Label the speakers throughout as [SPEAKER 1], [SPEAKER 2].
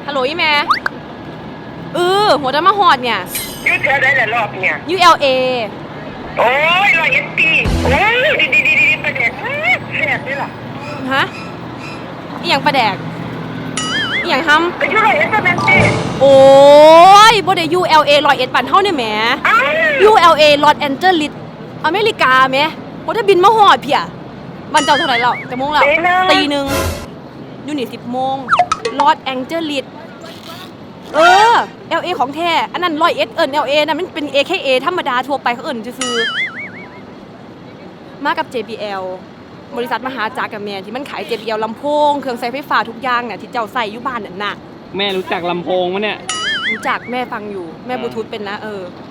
[SPEAKER 1] ฮัลโหลอีแม่หัวจะมาหอดเนี่ย
[SPEAKER 2] ยืดเธอได้หลายรอบเนี่ย
[SPEAKER 1] ULA
[SPEAKER 2] โอ้ย100 ปีโอ้ยดีประเด็นแซ่บด้วยล่ะ
[SPEAKER 1] ฮะอีหยังประแดกอีหยังท
[SPEAKER 2] ำก็ยู100ก็แม่นสิ
[SPEAKER 1] โอ้ยบ่ได้ ULA 101ปั่นเท่าเนี่ยแหม ULA ลอสแอนเจลิสอเมริกาแหมบ่ได้บินมาหอดเพียบ้านเจ้าเท่าไหร่แล้วจะโมงแล้วตีหนึ่งอยู่นี่10 โมงลอสแองเจลิสLA ของแท้อันนั้น101LA นะมันเป็น AKA ธรรมดาทั่วไปเขาซื่อมากับ JBL บริษัทมหาจักรกับแม่ที่มันขาย JBL ลำโพงเครื่องใช้ไฟฟ้าทุกอย่างเนี่ยที่เจ้าใส่อยู่บ้านนั่นน่ะ
[SPEAKER 3] แม่รู้จักลำโพงมั้ยเนี่ย
[SPEAKER 1] รู้จักแม่ฟังอยู่แม่บลูทูธเป็นนะ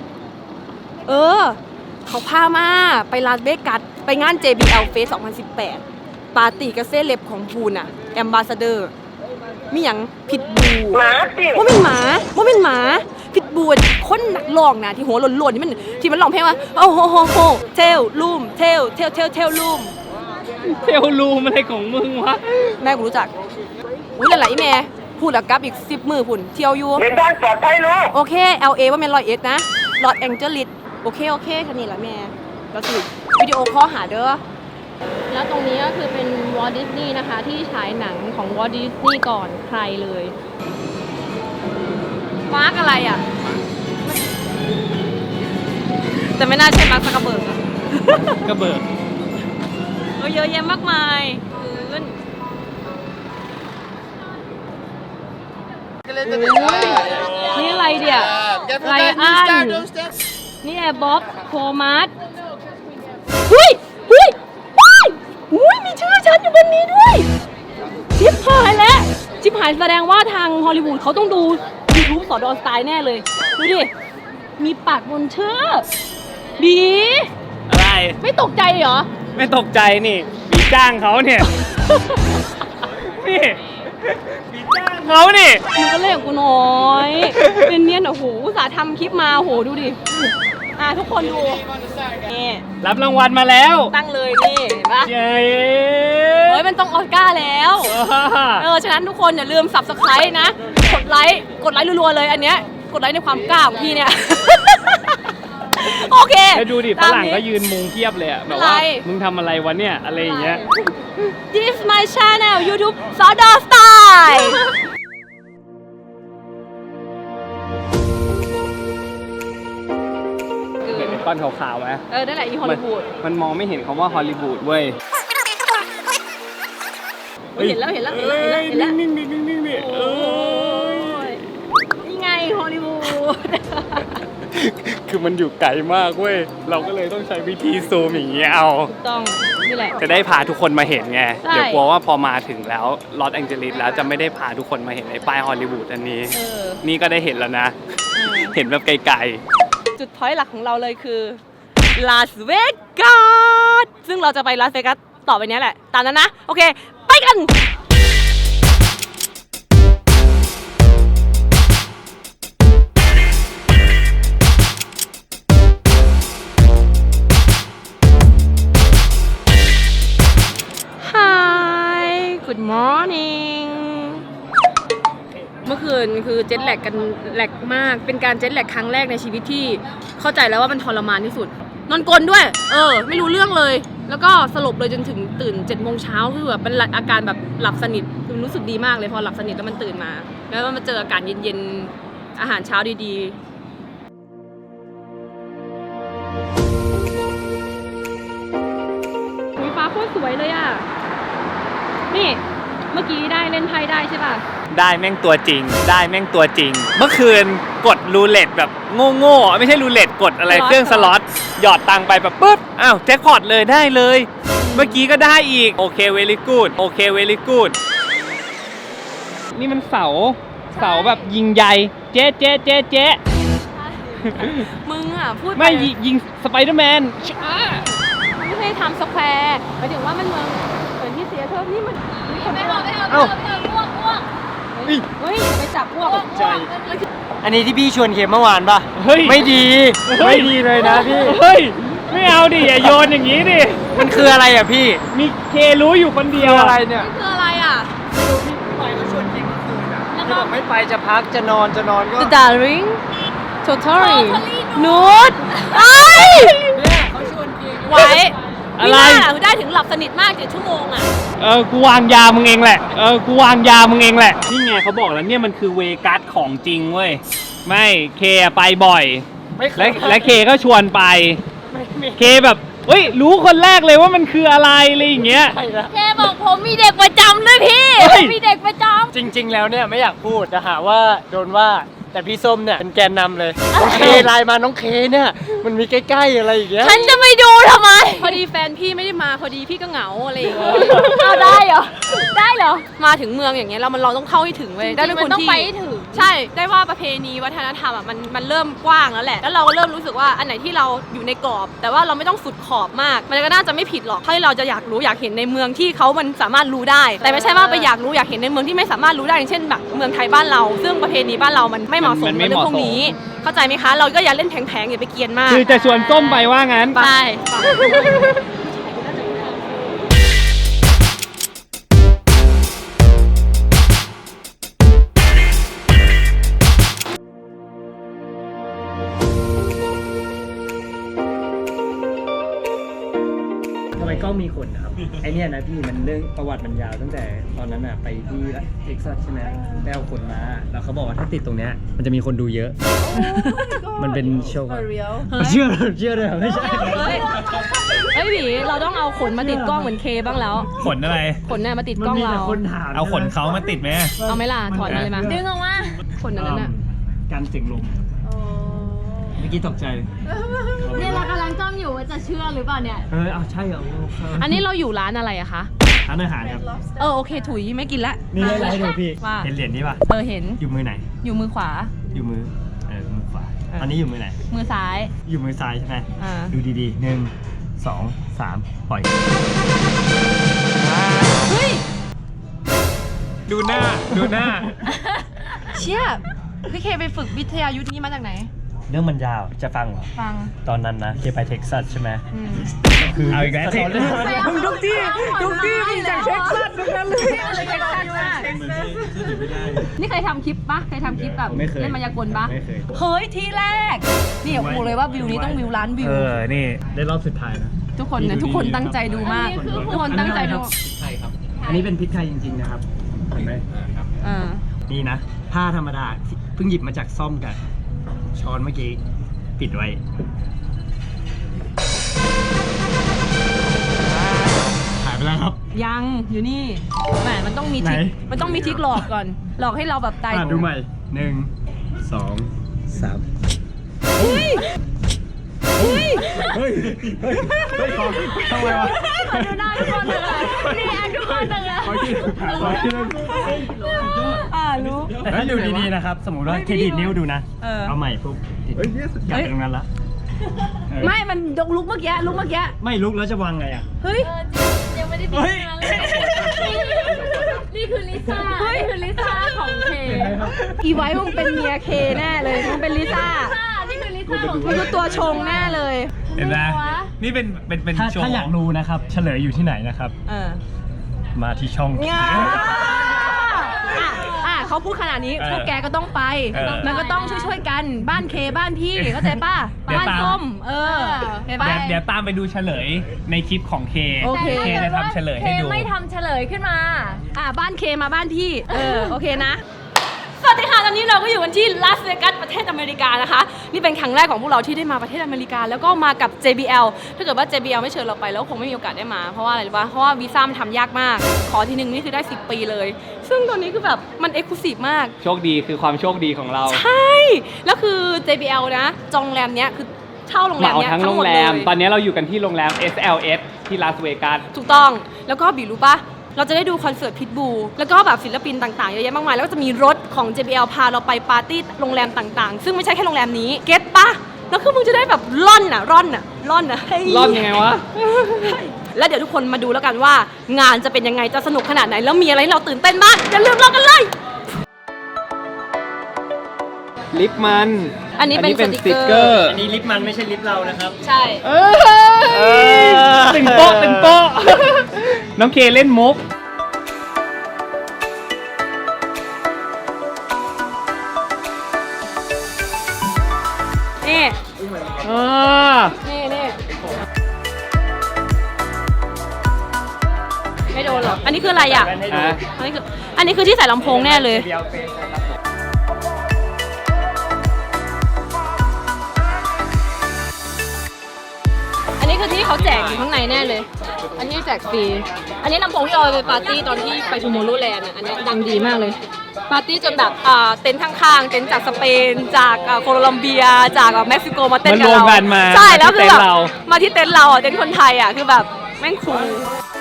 [SPEAKER 1] เขาพามาไปลาสเวกัสไปงาน JBL Fest 2018ปาร์ตี้กับเซเลบของพูนอะแอมบาสเดอร์มีหยังผิดบูว่าเป็นหมาผิดบูคนนักร้องนะที่หัวหล่นๆที่มันร้องเพลงว่าโอ้โหเทลลูมเทลลูม
[SPEAKER 3] เทลลูมอะไรของมึงวะ
[SPEAKER 1] แม่กูรู้จักอุ้ยหลายๆแม่พูดแล้วกลับอีก10 มื้อพุ่นเที่ยวอยู่
[SPEAKER 2] ในบ้านปลอดภัยลูก
[SPEAKER 1] โอเค LA ว่าแม่น101นะลอสแองเจลิสโอเคแค่นี้แหละแม่ก็คือวิดีโอคอลหาเด้อแล้วตรงนี้ก็คือเป็นวอลต์ดิสนีย์นะคะที่ฉายหนังของวอลต์ดิสนีย์ก่อนใครเลยมาร์กอะไรอ่ะแต่ไม่น่าใช่มาร์กซักกระเบิร์กอะ
[SPEAKER 3] กระเบิร์ก
[SPEAKER 1] เยอะแยะมากมายนี่อะไรเดี๋ยไรอันนี่แอร์บ๊อบโฟมัสหุ้ยมีชื่อฉันอยู่บนนี้ด้วยชิปหายแล้วชิปหายแสดงว่าทางฮอลลีวูดเขาต้องดู YouTube สอดอสไตล์แน่เลยดูดิมีปากบนชื่อดี
[SPEAKER 3] อะไร
[SPEAKER 1] ไม่ตกใจเหรอ
[SPEAKER 3] ไม่ตกใจนี่มีจ้างเขาเนี่ยนี่มีจ้างเขานี่
[SPEAKER 1] มึงก็เล่นกับกูน้อยเป็นเนียนโอ้โหอุตส่าห์ทำคลิปมาโอ้โหดูดิทุกคนดูนี่
[SPEAKER 3] รับรางวัลมาแล้ว
[SPEAKER 1] ตั้งเลยนี่เห็นปะเฮ้ยมันต้องออสการ์แล้วฉะนั้นทุกคนอย่าลืม Subscribe นะกดไลค์รัวๆเลยอันเนี้ยกดไลค์ในความกล้าของพี่เนี่ยโอเค
[SPEAKER 3] แล้วดูดิฝรั่งก็ยืนมุงเทียบเลยอะแบบว่ามึงทำอะไรวะเนี่ยอะไรอย่างเงี้ย
[SPEAKER 1] This is my channel YouTube สอดอสไตล์
[SPEAKER 3] ก้อนขาวๆไหม
[SPEAKER 1] นั่นแหละอีฮอลลีวูด
[SPEAKER 3] มันมองไม่เห็นคำว่าฮอลลีวูดเว้ย
[SPEAKER 1] เห็นแล้วนิ่งโอ้ยนี่ไงฮอลลีวูด
[SPEAKER 3] คือมันอยู่ไกลมากเว้ยเราก็เลยต้องใช้วิธีซูมอย่างเงี้ยเอา
[SPEAKER 1] ต้องนี่แหละ
[SPEAKER 3] จะได้พาทุกคนมาเห็นไงเดี๋ยวกลัวว่าพอมาถึงแล้วลอสแองเจลิสแล้วจะไม่ได้พาทุกคนมาเห็นในป้ายฮอลลีวูดอันนี้นี่ก็ได้เห็นแล้วนะเห็นแบบไกลๆ
[SPEAKER 1] จุดพอยต์หลักของเราเลยคือลาสเวกัสซึ่งเราจะไปลาสเวกัสต่อไปนี้แหละตามนั้นนะโอเคไปกันGood morning เมื่อคืนคือเจ็ตแลกกันแลกมากเป็นการเจ็ตแลกครั้งแรกในชีวิตที่เข้าใจแล้วว่ามันทรมานที่สุดนอนกลนด้วยไม่รู้เรื่องเลยแล้วก็สลบเลยจนถึงตื่น7 โมงเช้าคือแบบเป็นอาการแบบหลับสนิทคือรู้สึกดีมากเลยพอหลับสนิทแล้วมันตื่นมาแล้วมันมาเจออากาศเย็นๆอาหารเช้าดีๆฟ้าโคตรสวยเลยอ่ะนี่เมื่อกี้ได้เล่นไพ่ได้ใช่ป่ะ
[SPEAKER 3] ได้แม่งตัวจริงเมื่อคืนกดรูเล็ตแบบโง่ไม่ใช่รูเล็ตกดอะไรเครื่องสล็อตหยอดตังไปแบบปุ๊บอ้าวแจ็คพอตเลยได้เลยเมื่อกี้ก็ได้อีกโอเคเวลี่กูดนี่มันเสาแบบยิงใหญ่เจ๊
[SPEAKER 1] มึงอ่ะพูด
[SPEAKER 3] ไม่ยิงสไปเดอร์แมน
[SPEAKER 1] ไม่ใช่ทำสแควร์หมายถึงว่ามันเมืองเหมือนที่เสียเธอนี่มันไม่เอาอ้วกเฮ้ยไปจับอ้วก
[SPEAKER 3] ใช่
[SPEAKER 4] อันนี้ที่พี่ชวนเค็มเมื่อวานป่ะไม่ดีเลยนะพี่
[SPEAKER 3] เฮ้ยไม่เอาดิอย่าโยนอย่างนี้ดิ
[SPEAKER 4] มันคืออะไรอ่ะพี่
[SPEAKER 3] มีเครู้อยู่คนเดียว
[SPEAKER 4] อะไรเนี่ย
[SPEAKER 1] คืออะไรอ่ะ
[SPEAKER 4] พี่ปล่อยเขาชวนเค็มเมื่อคืนอ่ะแล้วก็ไม่ไปจะพักจะนอนก็
[SPEAKER 1] The Darling Totally นูดไอ้
[SPEAKER 4] เนี่ยเขาชวนกิน
[SPEAKER 1] ไว้
[SPEAKER 3] อะไร
[SPEAKER 1] ม่น่าได้ถึงหลับสนิทมาก7 ชั่วโมงอ่ะ
[SPEAKER 3] กูวางยามึงเองแหละ กูวางยามึงเองแหละ นี่ไงเขาบอกแล้วเนี่ยมันคือเวกัสของจริงเว้ย ไม่เคไปบ่อย
[SPEAKER 4] ไม่เคย
[SPEAKER 3] และเคก็ชวนไป เคแบบเฮ้ยรู้คนแรกเลยว่ามันคืออะไรอะไรอย่างเงี้ย
[SPEAKER 4] ใช่แล้ว
[SPEAKER 1] แกบอกผมมีเด็กประจำด้วยพี่
[SPEAKER 3] เฮ้ย
[SPEAKER 1] ผมมีเด็กประจ
[SPEAKER 4] จริง ๆ แล้วเนี่ยไม่อยากพูดจะหาว่าโดนว่าแต่พี่ส้มเนี่ยเป็นแกนนำเลยน้องเคไลน์มาน้องเคเนี่ยมันมีใกล้ๆอะไรอย่างเงี้ย
[SPEAKER 1] ำฉันจะไม่ดูทำไม พอดีแฟนพี่ไม่ได้มาพอดีพี่ก็เหงาอะไรอย่างเงี้ยเอาได้เหรอ ได้เหรอ มาถึงเมืองอย่างเงี้ยเราต้องเข้าให้ถึงเว้ยได้เป็นคนที่ใช่ได้ว่าประเพณีวัฒนธรรมอ่ะมันเริ่มกว้างแล้วแหละแล้วเราก็เริ่มรู้สึกว่าอันไหนที่เราอยู่ในกรอบ แต่ว่าเราไม่ต้องสุดขอบมาก มันก็น่าจะไม่ผิดหรอกถ้าเราจะอยากรู้อยากเห็นในเมืองที่เขามันสามารถรู้ได้ แต่ไม่ใช่ว่าไปอยากรู้อยากเห็นในเมืองที่ไม่สามารถรู้ได้อย่างเช่นแบบเมืองไทยบ้านเรา ซึ่งประเพณีบ้านเรามันไม่เหมาะสม
[SPEAKER 3] มันไม่
[SPEAKER 1] ในเรื่องพวกนี้ เข้าใจไหมคะ เราก็อย่าเล่นแผงๆอย่าไปเกรียนมาก
[SPEAKER 3] คือจะชวนส้มไปว่างั้น
[SPEAKER 1] ไป
[SPEAKER 4] ทำไมกล้องมีขนนะครับ ไอเนี่ยนะพี่มันเรื่องประวัติมันยาวตั้งแต่ตอนนั้นอะไปที่เท็กซัสใช่ไหมไปเอาขนมาแล้วเขาบอกว่าถ้าติดตรงเนี้ยมันจะมีคนดูเยอะ มันเป็นโชว์เชื่อเลยเหรอไม่ใช่
[SPEAKER 1] เฮ้ยหวีเราต้องเอาขนมาติดกล้องเหมือนเคบ้างแล้ว
[SPEAKER 3] ขนอะไร
[SPEAKER 1] ขนเนี่ยมาติด
[SPEAKER 4] มัน
[SPEAKER 1] กล้อง
[SPEAKER 4] มี
[SPEAKER 1] เรา
[SPEAKER 4] แต่คนถาม
[SPEAKER 3] เอาขนเขามาติดไหม
[SPEAKER 1] เอาไหมล่ะถอดมาเลยมาดึงออกมาขนนั้นน่ะ
[SPEAKER 4] การเสียงลมเมื่อกี้ตกใจ
[SPEAKER 1] เนี่ยเรากำลังจ้องอยู่ว่าจะเชื่อหรือเปล่าเนี่ย
[SPEAKER 4] เอาใช่เหรอ
[SPEAKER 1] อันนี้เราอยู่ร้านอะไรอะคะ
[SPEAKER 4] ร้านอาหารครับ
[SPEAKER 1] โอเคถุยไม่กินละ
[SPEAKER 4] นี่ไลฟ์ดูพี่
[SPEAKER 1] ว่า
[SPEAKER 4] เห็นเหรียญนี้ป่ะ
[SPEAKER 1] เห็น
[SPEAKER 4] อยู่มือไหน
[SPEAKER 1] อยู่มือขวา
[SPEAKER 4] อยู่มือมือขวาอันนี้อยู่มือไหน
[SPEAKER 1] มือซ้าย
[SPEAKER 4] อยู่มือซ้ายใช่ไหม
[SPEAKER 1] อ่า
[SPEAKER 4] ดูดีๆ1 2 3ปล่อย
[SPEAKER 1] เฮ้ย
[SPEAKER 3] ดูหน้า ดูหน้า
[SPEAKER 1] เชี่ยพี่เคไปฝึกวิทยายุทธ์นี้มาจากไหน
[SPEAKER 4] เรื่องมันยาวจะฟังเหรอ
[SPEAKER 1] ฟัง
[SPEAKER 4] ตอนนั้นนะเคไปเท็กซัสใช่ไหม
[SPEAKER 3] เอาอีกแล้ว
[SPEAKER 4] มึงทุกที่มีแต่เท็กซัสทุกนั้นเลย
[SPEAKER 1] นี่เคยทำคลิปปะเคยทำคลิปแบบ
[SPEAKER 4] ไม่เคย
[SPEAKER 1] เล่นมายากลปะ
[SPEAKER 4] ไม่เคย
[SPEAKER 1] เฮ้ยที่แรก นี่บอกเลยว่าวิวนี้ต้องวิวล้านวิว
[SPEAKER 3] นี่
[SPEAKER 4] ได้รอบสุดท้ายนะ
[SPEAKER 1] ทุกคนเนี่ยทุกคนตั้งใจดูมาก ทุกคนตั้งใจดู
[SPEAKER 4] ใช่ครับ อันนี้เป็นพริกไทยจริงๆนะครับเห็นไหม
[SPEAKER 1] อ่า
[SPEAKER 4] นี่นะผ้าธรรมดาเพิ่งหยิบมาจากซ่อมกันช้อนเมื่อกี้ปิดไว้หายไปแล้วครับ
[SPEAKER 1] ยังอยู่นี่แหมมันต้องมีทริค
[SPEAKER 4] ไหน
[SPEAKER 1] มันต้องมีทริคหลอกก่อน หลอกให้เราแบบตาย
[SPEAKER 4] ดูใหม่1 2 3
[SPEAKER 1] เฮ้ย
[SPEAKER 4] เฮ้ยทำไมวะ
[SPEAKER 1] ดูหน้าทุกคนเลยนี่แอคทุกคนเลย
[SPEAKER 4] ขอที่นึง
[SPEAKER 1] รู้
[SPEAKER 4] แต่ถ้าดูดีๆนะครับ สมมติว่าเครดิตนิ้วดูนะ เอาใหม่ปุ๊บกลับไปตรงนั้นละ
[SPEAKER 1] ไม่มันยกลุกเมื่อกี้ลุกเมื่อกี้
[SPEAKER 4] ไม่ลุกแล้วจะวางไงอ่ะ
[SPEAKER 1] เฮ้ย
[SPEAKER 5] ยังไม่ได้พิจารณาเลยนี่คือลิซ่า นี่คือลิซ่าของเค
[SPEAKER 1] อีไว้มึงเป็นเมียเคแน่เลยมึงเป็นลิซ่า
[SPEAKER 5] นี่คือลิซ่าของ
[SPEAKER 1] มึงคือตัวชงแน่เลย
[SPEAKER 3] เห็นไหมนี่เป็น
[SPEAKER 4] ถ้าอยากรู้นะครับ เฉลยอยู่ที่ไหนนะครับ มาที่ช่อง
[SPEAKER 1] เขาพูดขนาดนี้พวกแกก็ต้องไป มันก็ต้องช่วยๆกันบ้านเคบ้านพี่เข้าใจป่ะบ้านส้มเห็นป่ะ
[SPEAKER 3] เดี๋ยวตามไปดูเฉลยในคลิปของเค
[SPEAKER 1] โอเค
[SPEAKER 3] เคจะทำเฉลยให้ดู
[SPEAKER 5] เคไม่ทำเฉลยขึ้นมา
[SPEAKER 1] บ้านเคมาบ้านพี่โอเคนะ สวัสดีค่ะตอนนี้เราก็อยู่กันที่ลาสเวกัสประเทศอเมริกานะคะนี่เป็นครั้งแรกของพวกเราที่ได้มาประเทศอเมริกาแล้วก็มากับ JBL ถ้าเกิดว่า JBL ไม่เชิญเราไปแล้วคงไม่มีโอกาสได้มาเพราะว่าอะไรรู้ป่ะเพราะว่าวีซ่ามันทำยากมากขอทีนึงนี่คือได้10 ปีเลย ซึ่งตอนนี้คือแบบมันเอ็กซ์คลูซีฟมาก
[SPEAKER 3] โชคดีคือความโชคดีของเรา
[SPEAKER 1] ใช่แล้วคือ JBL นะจองโรงแรมเนี้ยคือเช่าโรงแร
[SPEAKER 3] มาม เอา
[SPEAKER 1] เนี้ย
[SPEAKER 3] ทั้ง
[SPEAKER 1] ทั้
[SPEAKER 3] โรง ง
[SPEAKER 1] หมด
[SPEAKER 3] แร
[SPEAKER 1] เล
[SPEAKER 3] ม
[SPEAKER 1] ย
[SPEAKER 3] ตอนนี้เราอยู่กันที่โรงแรม SLS ที่ลาสเวกัส
[SPEAKER 1] ถูกต้องแล้วก็บีรู้ป่ะเราจะได้ดูคอนเสิร์ตพิทบูแล้วก็แบบศิลปินต่างๆเยอะแยะมากมายแล้วก็จะมีรถของ JBL พาเราไปปาร์ตี้โรงแรมต่างๆ ซึ่งไม่ใช่แค่โรงแรมนี้เก็ตปะแล้วคือมึงจะได้แบบร่อนอะ
[SPEAKER 3] ร่อนยังไงวะ
[SPEAKER 1] แล้วเดี๋ยวทุกคนมาดูแล้วกันว่างานจะเป็นยังไงจะสนุกขนาดไหนแล้วมีอะไรให้เราตื่นเต้นบ้างอย่าลืมรอกันเลย
[SPEAKER 3] ลิปมัน
[SPEAKER 1] อันนี้เป็นสติกเกอร์
[SPEAKER 4] อันนี้ลิฟต์มันไม่ใช่ลิฟต์เรานะครับ
[SPEAKER 1] ใช่
[SPEAKER 3] ตึงโป๊ะตึงโป๊ะ น้องเคเล่นมุกอ๋อ
[SPEAKER 1] นี่ไม่โดนหรอกอันนี้คืออะไรอ่ะ
[SPEAKER 3] ฮะ
[SPEAKER 1] อันนี้คือที่ใส่ลำโพงแน่เลย อันนี้คือที่เขาแจกอยู่ข้างในแน่เลย อันนี้แจกฟรี อันนี้ลำโพงที่เอาไปปาร์ตี้ตอนที่ไปทูโมโรแลนด์อันนี้ดังดีมากเลย ปาร์ตี้จนแบบเต็นท์ข้างๆ เต็นท์จากสเปน จากโคลัมเบีย จากเม็กซิโกมาเต้นกับ
[SPEAKER 3] มันรวม
[SPEAKER 1] เรา
[SPEAKER 3] กันมา
[SPEAKER 1] ใช่ แล้วคือแบบ
[SPEAKER 3] ที่เต็นท์เรา
[SPEAKER 1] มาที่เต็นท์เราอ่ะ เต็นท์คนไทยอ่ะ คือแบบแม่งคูล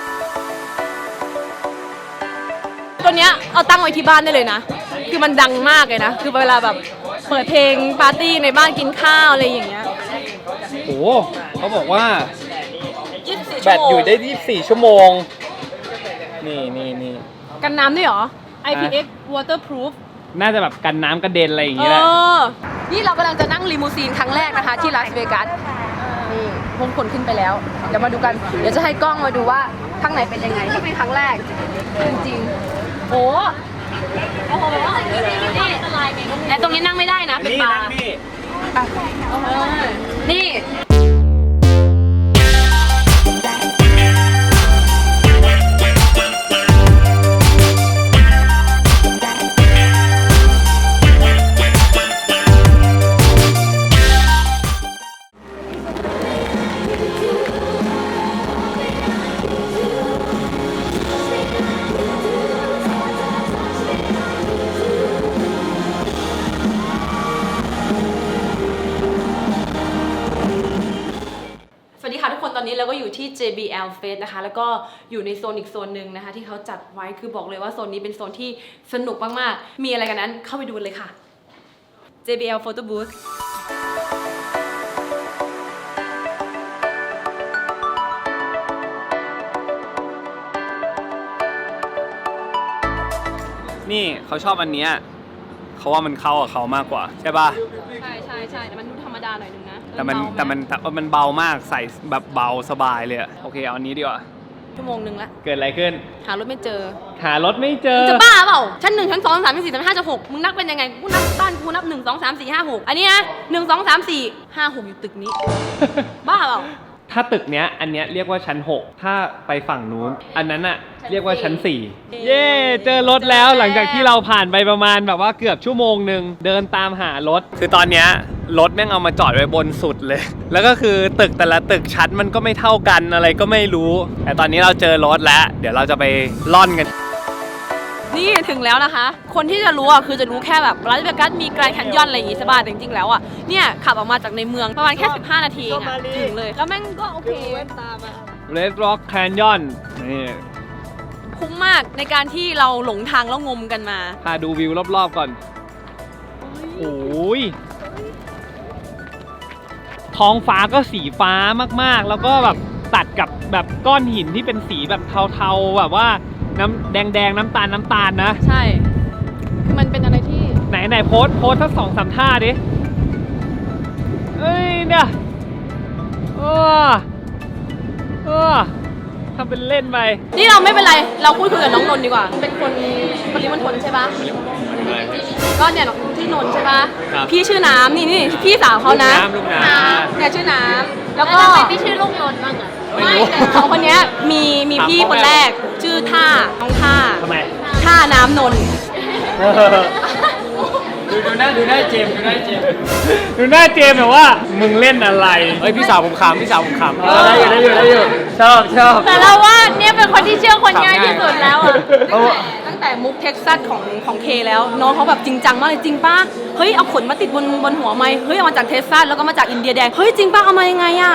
[SPEAKER 1] ตัวเนี้ยเอาตั้งไว้ที่บ้านได้เลยนะ คือมันดังมากเลยนะ คือเวลาแบบเปิดเพลงปาร์ตี้ในบ้านกินข้าวอะไรอย่างเงี้ย
[SPEAKER 3] โอ้เขาบอกว่า
[SPEAKER 1] 24
[SPEAKER 3] แบตอยู่ได้ 24 ชั่วโมง นี่
[SPEAKER 1] กันน้ำด้วยเหรอ IPX waterproof
[SPEAKER 3] น่าจะแบบกันน้ำกระเด็นอะไรอย่าง
[SPEAKER 1] เอ
[SPEAKER 3] เงี้ยแหละ
[SPEAKER 1] อ นี่เรากำลังจะนั่งลิมูซีนครั้งแรกนะคะ ที่ลาสเวกัส นี่พงคนขึ้นไปแล้ว เดี๋ยวมาดูกัน เดี๋ยวจะให้กล้องมาดูว่าข้างในเป็นยังไงที่เป็นครั้งแรก จริงๆ โอ้โหแต่ตรงนี้นั่งไม่ได้นะ เป็นบาร์นี่ สวัสดีค่ะทุกคนตอนนี้เราก็อยู่ที่ JBL Fest นะคะแล้วก็อยู่ในโซนอีกโซนหนึ่งนะคะที่เขาจัดไว้คือบอกเลยว่าโซนนี้เป็นโซนที่สนุกมากๆมีอะไรกันนั้นเข้าไปดูเลยค่ะ JBL Photo Booth
[SPEAKER 3] นี่เขาชอบอันเนี้ยเขาว่ามันเข้ากับเขามากกว่า ใช่ป่ะ
[SPEAKER 1] ใช่แต่มันดูธรรมดาหน่อยนึงนะ
[SPEAKER 3] แต่มันเบามากใส่แบบเบาสบายเลยอะโอเคเอาอันนี้ดีกว่า
[SPEAKER 1] ชั่วโมงนึงละ
[SPEAKER 3] เกิดอะไรขึ้น
[SPEAKER 1] หารถไม่เจอ
[SPEAKER 3] หารถไม่เจอ
[SPEAKER 1] จะบ้าเปล่าชั้น1ชั้น2 3ชั้น4ชั้น5ชั้น6มึงนับเป็นยังไงกูนับบ้านกูนับ1 2 3 4 5 6อันนี้นะ1 2 3 4 5 6อยู่ตึกนี้ บ้าเปล่า
[SPEAKER 3] ถ้าตึกเนี้ยอันเนี้ยเรียกว่าชั้น 6 ถ้าไปฝั่งนู้นอันนั้นอะเรียกว่าชั้น 4 เย้เจอรถแล้วหลังจากที่เราผ่านไปประมาณแบบว่าเกือบชั่วโมงหนึ่งเดินตามหารถ คือตอนเนี้ยรถแม่งเอามาจอดไว้บนสุดเลย แล้วก็คือตึกแต่ละตึกชั้นมันก็ไม่เท่ากันอะไรก็ไม่รู้ แต่ตอนนี้เราเจอรถแล้ว เดี๋ยวเราจะไปล่อนกัน
[SPEAKER 1] นี่ถึงแล้วนะคะ คนที่จะรู้อ่ะคือจะรู้แค่แบบลาสเวกัสมีแกรนด์แคนยอนอะไรอย่างงี้ใช่ป่ะแต่จริงๆแล้วอ่ะเนี่ยขับออกมาจากในเมืองประมาณแค่15 นาทีเองอะถึงเลย แล้วแม่งก็โอเค
[SPEAKER 3] Red Rock Canyon นี่
[SPEAKER 1] คุ้มมากในการที่เราหลงทางแล้วงมกันมา
[SPEAKER 3] พาดูวิวรอบๆก่อน โอ้ย ท้องฟ้าก็สีฟ้ามากๆ แล้วก็แบบตัดกับแบบก้อนหินที่เป็นสีแบบเทาๆแบบว่าน้ำแดงๆน้ำตาลนะ
[SPEAKER 1] ใช่คือมันเป็นอะไรที่
[SPEAKER 3] ไหนโพสสัก2-3 ท่าดิ เอ้ยเนี่ยทำเป็นเล่นไป
[SPEAKER 1] นี่เราไม่เป็นไรเราพูดคุยกับน้องนนท์ดีกว่าเป็นคนปริมณฑลใช่ปะก็เนี่ยที่นนท์ใช่ปะ
[SPEAKER 3] ครับ
[SPEAKER 1] พี่ชื่อน้ำนี่พี่สาวเขานะ
[SPEAKER 3] ลูกน้ำ
[SPEAKER 1] เนี่ยชื่อน้ำแล้ว
[SPEAKER 5] แล้ว
[SPEAKER 1] ก็
[SPEAKER 5] ทำไมไม่ชื่อลูกนนท์บ้างอะ
[SPEAKER 3] ไม่รู้
[SPEAKER 1] แต่สองคนเนี้ยมีพี่คนแรกชื่อท่าน้องท่า
[SPEAKER 3] ทำไม
[SPEAKER 1] ท่าน้ำนนท์
[SPEAKER 4] ดูหน้าเจมส์ดูหน้าเจมส์
[SPEAKER 3] ดูหน้าเจมส์แบบว่า มึงเล่นอะไร เฮ้ย พี่สาวผมขำ
[SPEAKER 4] ได้อยู่ชอบ
[SPEAKER 5] แต่เราว่าเนี่ยเป็นคนที่เชื่อคนง่ายที่สุดแล้วอะ
[SPEAKER 1] ตั้งแต่มุกเท็กซัสของเคแล้วน้องเขาแบบจริงจังมากเลยจริงป้าเฮ้ยเอาขนมาติดบนหัวไหมเฮ้ยเอามาจากเท็กซัสแล้วก็มาจากอินเดียแดงเฮ้ยจริงป้าเอามายังไงอะ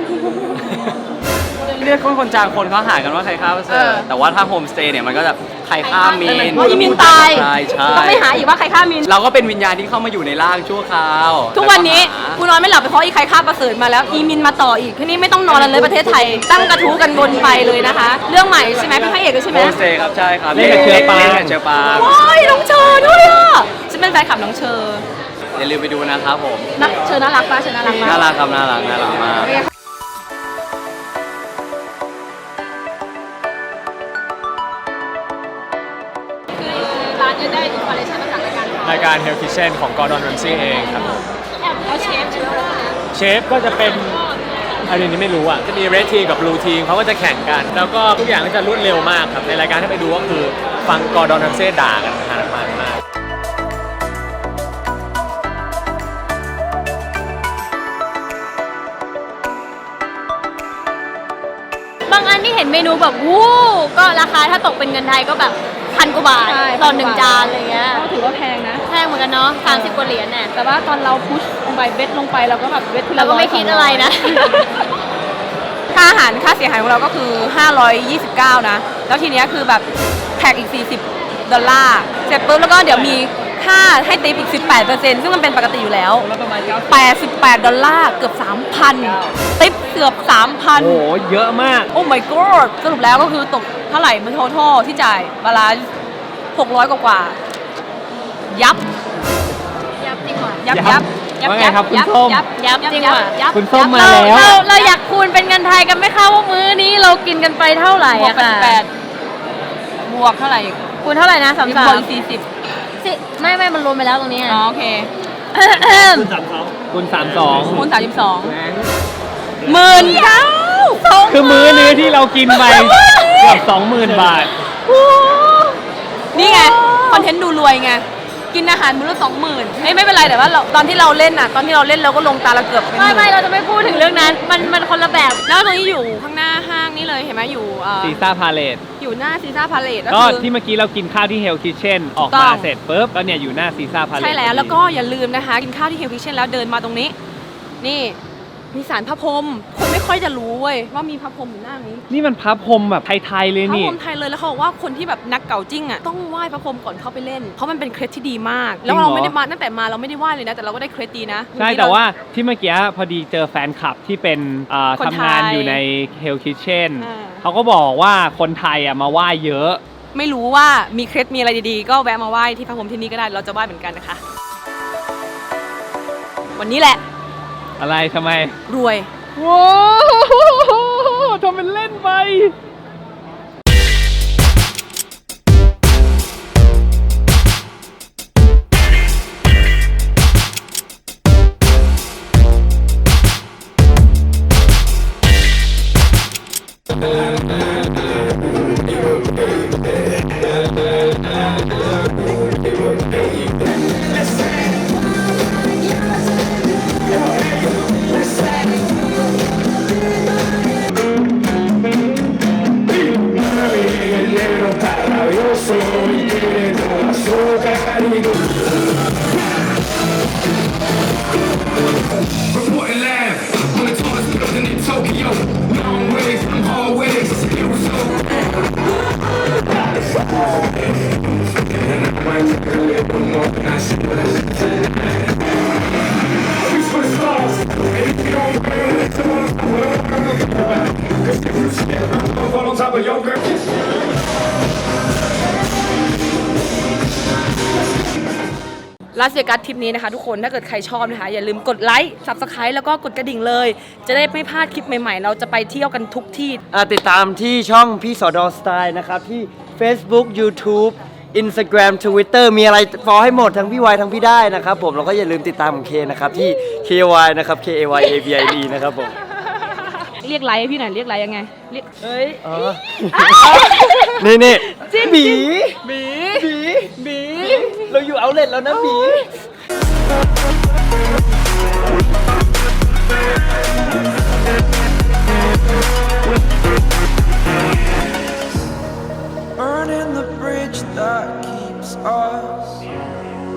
[SPEAKER 6] เรียกคนจางคนเขาหากันว่าใครฆ่าพระเสริฐแต่ว่าถ้าโฮมสเตย์เนี่ยมันก็จะใครฆ่ามีน
[SPEAKER 1] อ๋ออีมินตาย
[SPEAKER 6] ใช่
[SPEAKER 1] ต้องไม่หาอีกว่าใครฆ่ามิน
[SPEAKER 6] เราก็เป็นวิญญาณที่เข้ามาอยู่ในร่างชั่วคราว
[SPEAKER 1] ทุกวันนี้
[SPEAKER 6] แล้ว
[SPEAKER 1] กูนอนไม่หลับไปเพราะอีใครฆ่าประเสริฐมาแล้วอีมินมาต่ออีกทีนี้ไม่ต้องนอนแล้วเลยประเทศไทย ตั้งกระทู้กันบนไปเลยนะคะ เรื่องใหม่ใช่ไหมเป็นพระเอกด้วยใช่ไหม
[SPEAKER 6] โฮมสเตย์ครับใช่ครับ
[SPEAKER 3] เล่นกับเชอปาง
[SPEAKER 6] เล่นกับเชอปาง
[SPEAKER 1] โอ้ยน้องเชอด้วยอ่ะฉันเป็นแฟนคลับน้องเชอ
[SPEAKER 6] อย่าลืมไปดูนะครับผม
[SPEAKER 1] เชอน่ารักป่ะเชอน่ารักป่ะ
[SPEAKER 6] น่ารักครับน่ารักมาก
[SPEAKER 1] คือร้านจะได้อินสปิเรชั่นมาจากรายการ
[SPEAKER 3] รายการ Hell Kitchen ของ Gordon Ramsay เองครับ
[SPEAKER 1] แอบเอาเชฟชื่อว่า
[SPEAKER 3] เชฟก็จะเป็นอันนี้ไม่รู้อ่ะจะมีเรดทีมกับบลูทีมเขาก็จะแข่งกัน แล้วก็ทุกอย่างก็จะรวดเร็วมากครับในรายการที่ไปดูก็คือฟังกอร์ดอนแรมเซ่ด่ากันหาน้ำมันมาก
[SPEAKER 5] บางอันที่เห็นเมนูแบบวู้ก็ราคาถ้าตกเป็นเงินไทยก็แบบ1,000 กว่าบาท
[SPEAKER 1] ใช่
[SPEAKER 5] ต่อ1 จานอะไรเงี้ย
[SPEAKER 1] ก็ถือว่าแพงนะ
[SPEAKER 5] แพงเหมือนกันเนาะ30 กว่าเหรียญเนี่ย
[SPEAKER 1] แต่ว่าตอนเราพุชลงไปเบ็ดลงไปเราก็แบบเบ็ดทีละ
[SPEAKER 5] เราก็ไม่คิดอะไรนะ
[SPEAKER 1] ค่าอาหารค่าเสียหายของเราก็คือ529นะแล้วทีเนี้ยคือแบบแท็กอีก$40เสร็จปุ๊บแล้วก็เดี๋ยวมีค่าให้ติปอีก18%ซึ่งมันเป็นปกติอยู่แล้ว$88เกือบ 3,000 ติปเกือบ 3,000
[SPEAKER 3] โอ้โหเยอะมาก
[SPEAKER 1] โอ้ my god สรุปแล้วก็คือตกเท่าไหร่มันโททที่จ่ายบาลานซ์600 กว่าๆยับ
[SPEAKER 5] ยับจริงว่ะ
[SPEAKER 1] ยับ
[SPEAKER 3] ยับว่าไงครับคุณส้ม
[SPEAKER 5] ยับจริงว่ะ
[SPEAKER 1] ยับ
[SPEAKER 3] คุณส้มมา
[SPEAKER 5] เรา
[SPEAKER 3] แล้ว
[SPEAKER 5] เราอยากคูณเป็นเงินไทยกันไหมคะว่ามื้อนี้เรากินกันไปเท่าไหร่
[SPEAKER 1] บวก
[SPEAKER 5] อะค่ะ
[SPEAKER 1] 88บวกเท่าไหร่อีก
[SPEAKER 5] คูณเท่าไหร่นะ
[SPEAKER 1] บวกอีก
[SPEAKER 5] 33
[SPEAKER 1] 40
[SPEAKER 5] สิไม่มันรวมไปแล้วตรงนี้
[SPEAKER 1] อ๋อโอเค
[SPEAKER 3] คุณ
[SPEAKER 1] คูณ
[SPEAKER 3] 32
[SPEAKER 1] 32หมื่นเก้า
[SPEAKER 3] คือมื้อนี้ที่เรากินไปเกือบ 20,000 บาท
[SPEAKER 1] นี่ไงคอนเทนต์ดูรวยไงกินอาหารมื้อละ20,000ไม่เป็นไรแต่ว่าตอนที่เราเล่นน่ะตอนที่เราเล่นเราก็ลงตาละเกือบเป็นหมื่น
[SPEAKER 5] ไม่เราจะไม่พูดถึงเรื่องนั้นมันคนละแบบ
[SPEAKER 1] แล้วตรงนี้อยู่ข้างหน้าห้างนี่เลยเห็นไหมอยู่
[SPEAKER 3] ซีซ่าพาเลต
[SPEAKER 1] อยู่หน้าซีซ่าพาเลท
[SPEAKER 3] ก็
[SPEAKER 1] คือ
[SPEAKER 3] ที่เมื่อกี้เรากินข้าวที่เฮลคิเช่นออก
[SPEAKER 1] ถูกต้
[SPEAKER 3] มา
[SPEAKER 1] อง
[SPEAKER 3] เสร็จปุ๊บก็เนี่ยอยู่หน้าซีซ่าพาเลต
[SPEAKER 1] ใช่แล้วก็อย่าลืมนะคะกินข้าวที่เฮลคิเช่นแล้วเดินมาตรงนี้ นี่มีศาลพระพรหมคนไม่ค่อยจะรู้เว้ยว่ามีพระพรหมอยู่หน้านี้
[SPEAKER 3] นี่มันพระพรหมแบบไทยๆเลย
[SPEAKER 1] พระ
[SPEAKER 3] นี่
[SPEAKER 1] พรหมไทยเลยแล้วเขาบอกว่าคนที่แบบนักเก่าจิ้งอ่ะต้องไหว้พระพรหมก่อนเข้าไปเล่นเพราะมันเป็นเคล็ดที่ดีมาก แล้วเราไม่ได้มาตั้งแต่มาเราไม่ได้ไหว้เลยนะแต่เราก็ได้เคล็ดดีนะ
[SPEAKER 3] ใช่แต่ว่าที่เมื่อกี้พอดีเจอแฟนคลับที่เป็น
[SPEAKER 1] คนไทย
[SPEAKER 3] ทำงานอยู่ในเฮลคิเช่น
[SPEAKER 1] อ่า
[SPEAKER 3] เขาก็บอกว่าคนไทยอ่ะมาไหว้เยอะ
[SPEAKER 1] ไม่รู้ว่ามีเคล็ดมีอะไรดีๆก็แวะมาไหว้ที่พระพรหมที่นี่ก็ได้เราจะไหว้เหมือนกันนะคะ วันนี้แหละ
[SPEAKER 3] อะไรทำไม
[SPEAKER 1] รวย
[SPEAKER 3] ว้าวทำเป็นเล่นไป
[SPEAKER 7] Reporting live on the tallest building in Tokyo. Long ways from hallways. It was so. We switch stars. And if you don't bring it to us, cause if you skip, I'm fall on top of your girl.
[SPEAKER 1] ลาสเวกัสทริปนี้นะคะทุกคนถ้าเกิดใครชอบนะคะอย่าลืมกดไลค์ Subscribe แล้วก็กดกระดิ่งเลย จะได้ไม่พลาดคลิปใหม่ๆ เราจะไปเที่ยวกันทุกที่
[SPEAKER 8] ติดตามที่ช่องพี่สอดอสไตล์นะครับ ที่ Facebook YouTube Instagram Twitter มีอะไรฟอลให้หมดทั้งพี่วายทั้งพี่ได้นะครับผมแล้วก็อย่าลืมติดตามของเคนะครับ ที่ KY นะครับ KAYABID นะครับผม
[SPEAKER 1] เรียกไลค์ให้พี่หน่อยเรียกไลค์ยังไงเรียกเฮ้ย
[SPEAKER 8] นี่นี่
[SPEAKER 1] จริง
[SPEAKER 8] บี
[SPEAKER 1] บี
[SPEAKER 8] บีเราอยู่เอาเลทแล้วนะบี
[SPEAKER 7] Burning the bridge that keeps us